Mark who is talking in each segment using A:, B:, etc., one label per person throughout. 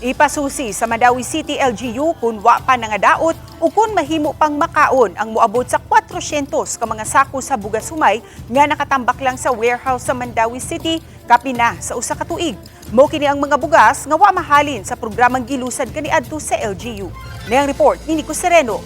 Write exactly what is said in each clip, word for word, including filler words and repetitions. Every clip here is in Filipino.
A: Ipasusi sa Mandawi City L G U kung wa pa nangadaot o kung mahimo pang makaon ang moabot sa kwatrosyentos ka mga sako sa bugas humay nga nakatambak lang sa warehouse sa Mandawi City kapina sa usa ka tuig. Mo kini ang mga bugas nga wa mahalin sa programang gilusad kaniadto sa L G U. Niyang report ni Nico Sereno.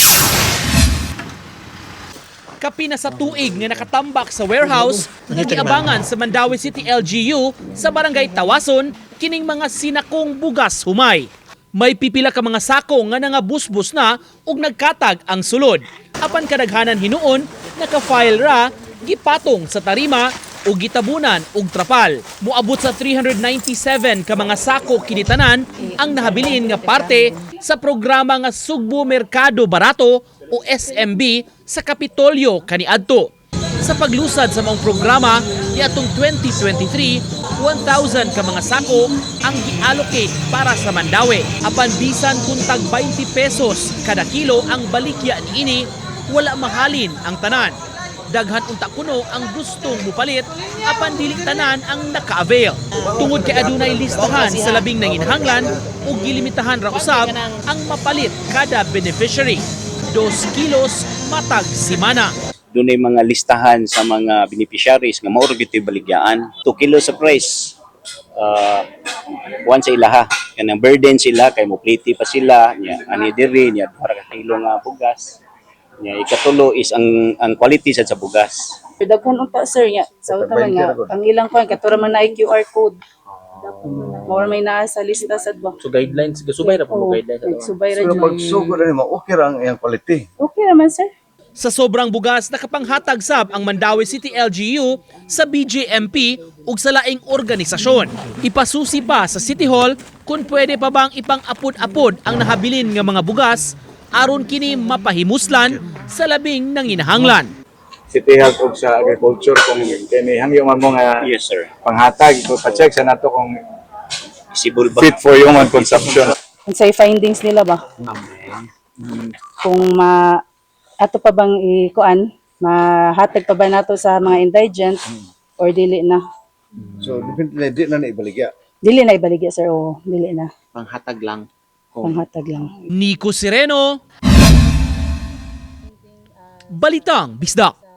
B: Kapina sa tuig nga nakatambak sa warehouse nga giabangan sa Mandawi City L G U sa barangay Tawason kining mga sinakong bugas humay. May pipila ka mga sako nga nangabusbus na ug nagkatag ang sulod. Apan kadaghanan hinuon naka-file ra gipatong sa tarima o gitabunan og trapal. Moabot sa three hundred ninety-seven ka mga sako kinitanan ang nahabilin nga parte sa programa nga Sugbo Merkado Barato o S M B sa Kapitolyo kaniadto. Sa paglusad sa mga programa niadtong twenty twenty-three, one thousand ka mga sako ang gi-allocate para sa Mandawi. Apan bisan kung tag twenty pesos kada kilo ang balikya niini, wala mahalin ang tanan. Daghan unta kuno ang gustong mupalit apan dili tanan ang naka-avail. Tungod kay adunay listahan sa labing nanginhanglan ug gilimitahan ra usab ang mapalit kada beneficiary. Dos kilos matag simana.
C: Doon ay mga listahan sa mga beneficiaries nga mauro gito'y baligyaan. two kilos sa price. Uh, one sa ilaha. Kanang burden sila, kay mopliti pa sila. Nya, ani diri, nya, para ka kilo nga bugas. Nya, ikatulo is ang ang quality sad sa bugas.
D: Daghan unta sir nya. Sa taman nga, ang ilang kwan, katura man na Q R code. More may naa sa lista sad ba.
B: So guidelines, gasubay ra po mo guidelines.
D: Subay ra
E: So
D: jud.
E: pag sugo na mo, okay ra ang iyang quality.
D: Okay naman sir.
B: Sa sobrang bugas, nakapanghatag sab ang Mandawi City L G U sa B J M P ug sa laing organisasyon. Ipasusi pa sa City Hall kung pwede pa bang ipang-apod-apod ang nahabilin nga mga bugas aron kini mapahimuslan sa labing nanginahanglan.
F: City Health ug sa agriculture kung kini hangyo man mo nga
C: Yes, sir.
F: panghatag ko pa-check sa nato kung
C: Isibol ba?
F: fit for human consumption.
D: Unsay findings nila ba? Kung ma ato pa bang ikuan, mahatag pa ba nato sa mga indigent or dili na?
E: So, definitely, di na naibaligya.
D: Dili na ibaligya sir o dili na.
B: Panghatag lang.
D: Panghatag lang.
B: Nico Sereno, Balitang Bisdak.